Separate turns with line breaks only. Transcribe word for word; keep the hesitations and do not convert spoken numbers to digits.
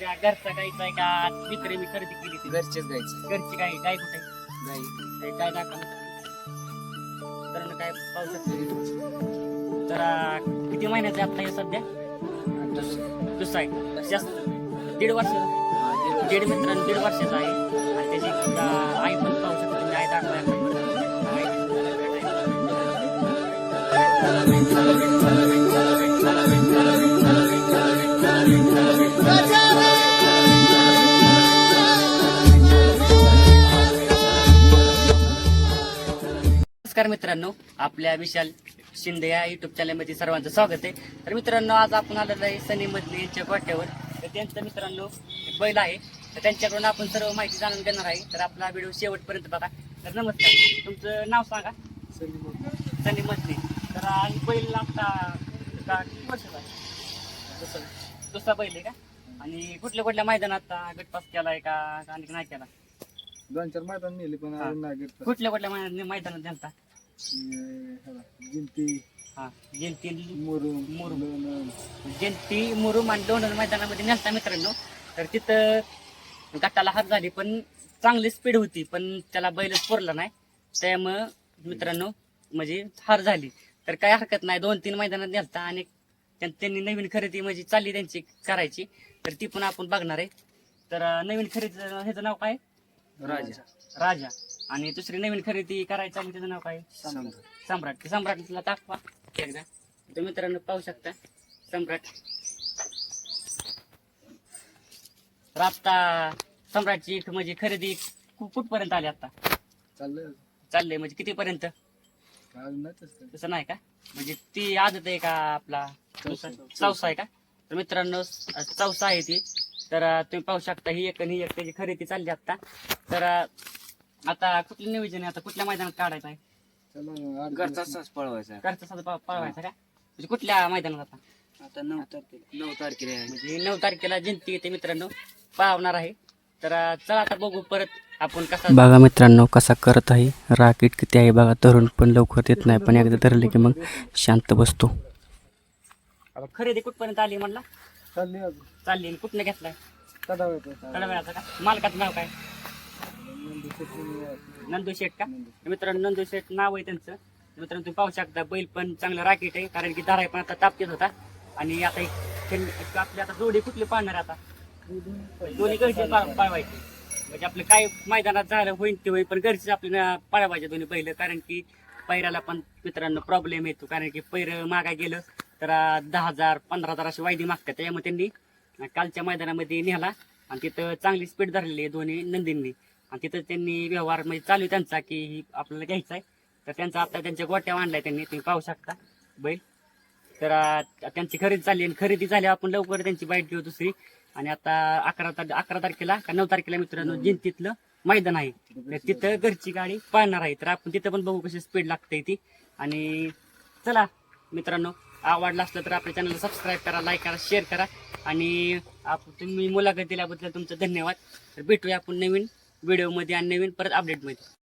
तुमच्या घरचा गायचा आहे का विक्री मी खरेदी केली ती
घरचेच गायचं
घरची गाय गाय कुठे
गाई
ते काय दाखवा तर काय पाहू शकतो तर अं, किती महिन्याचे आता हे सध्या दुसरा आहे जास्त दीड वर्ष दीड मित्रांनो दीड वर्षाचा आहे आणि त्याची अं, आई पण पाहू शकतो तुम्ही आई दाखवा आपण बरं. नमस्कार मित्रांनो, आपल्या विशाल शिंदे या युट्यूब चॅनलमध्ये सर्वांचं स्वागत आहे. तर मित्रांनो, आज आपण आलेलो आहे सनी मधले यांच्या गोठ्यावर. तर त्यांचं मित्रांनो एक बैल आहे, तर त्यांच्याकडून आपण सर्व माहिती जाणून घेणार आहे. तर आपला व्हिडिओ शेवटपर्यंत बघा. तर नमस्कार, तुमचं नाव सांगा. सनी मधले. तर आणि बैल आता का किती वर्षाचा आहे? दुसरा बैल आहे का? आणि कुठल्या कुठल्या मैदानात आता गटपास केलाय का आणि नाही केला?
दोन चार मैदान नेली पण अजून नाही घेतलं.
कुठल्या कुठल्या मैदान मैदानात त्यांचा
जिंती
हा जयंती
मुरुम
मुरुम.
लोणंद.
जयंती मुरुम आणि लोणंद मैदानामध्ये नेलता मित्रांनो. तर तिथं गटाला हात झाली, पण चांगली स्पीड होती, पण त्याला बैलच पुरला नाही. त्यामुळं मित्रांनो म्हणजे हार झाली. तर काय हरकत नाही, दोन तीन मैदानात नेलता आणि त्यां- त्यांनी नवीन खरेदी म्हणजे चालली त्यांची करायची, तर ती पण आपण बघणार आहे. तर अं, नवीन खरेदी ह्याचं नाव काय?
राजा
राजा. आणि दुसरी नवीन खरेदी करायची आणि त्याचं नाव काय? सम्राट. ते सम्राटला दाखवा एकदा. तर मित्रांनो पाहू शकता सम्राट. तर आता सम्राटची म्हणजे खरेदी कु- कुठपर्यंत आली आता?
चाललंय
चाललंय म्हणजे कितीपर्यंत?
अजून नाही तसं.
तसं नाही का? म्हणजे ती आदत आहे का आपला
चौसा.
चौसा आहे का? तर मित्रांनो चौसा आहे ती. तर अं, तुम्ही पाहू शकता ही एक आणि ही एक त्याची खरेदी चालली आता. तर अं, आता कुठलं नियोजन आहे, आता कुठल्या मैदानात काढायचं आहे?
चला ना, आठ
घरचाच पळवायचा
घरचा साधा पा- पाळवायचा का? म्हणजे कुठल्या मैदानात आता?
आता नऊ तारखेला नऊ तारखेला आहे.
म्हणजे नऊ तारखेला जयंती येते मित्रांनो, पावणार आहे. तर अं, चला आता बघू परत आपण कसा.
बघा मित्रांनो कसा करत आहे. राकेट किती आहे बघा. धरून पण लवकर देत नाही, पण एकदा धरले की मग शांत बसतो.
आता खरेदी कुठपर्यंत आली म्हणला?
चालली अजून
चालली. आणि कुठनं घेतलाय?
कदा येतो
थोड्या वेळाचा का? मालकाचं नाव काय? नंदू शेठ का? मित्रांनो नंदू शेठ नाव आहे त्यांचं. मित्रांनो तुम्ही पाहू शकता बैल पण चांगला राकेट आहे, कारण की दाराय पण आता तापतेच होता. आणि आता एक खेळ- एक आपली आता जोडी कुठली पाळणार आता? दोन्ही घरचे पाळवायचे. म्हणजे आपलं काय मैदानात झालं होईल ते होईल, पण घरचीच आपल्याला पाळवायचे दोन्ही बैल. कारण की पैराला पण मित्रांनो प्रॉब्लेम येतो, कारण की पैर मागा गेलं तर अं, दहा हजार पंधरा हजार अशी वायदी मागतात. त्यामुळे त्यांनी कालच्या मैदानामध्ये नेला आणि तिथं चांगली स्पीड धरलेली आहे दोन्ही नंदींनी. आणि तिथं त्यांनी व्यवहार म्हणजे चालू आहे त्यांचा की ही आपल्याला घ्यायचा आहे. तर त्यांचा आता त्यांच्या गोट्या आणलाय त्यांनी, तुम्ही पाहू शकता बैल. तर अं, त्यांची खरेदी झाली आणि खरेदी झाली आपण लवकर त्यांची बाईट घेऊ दुसरी. आणि आता अकरा तार अकरा तारखेला का नऊ तारखेला मित्रांनो जयंतीतलं मैदान आहे, तर तिथं घरची गाडी पाळणार आहे. तर आपण तिथं पण बघू कशी स्पीड लागते ती. आणि चला मित्रांनो, आवडला असलं तर आपल्या चॅनलला सबस्क्राईब करा, लाईक करा, शेअर करा. आणि आप तुम्ही मुलाखत दिल्याबद्दल तुमचं धन्यवाद. तर भेटूया आपण नवीन व्हिडिओमध्ये आणि नवीन परत अपडेटमध्ये.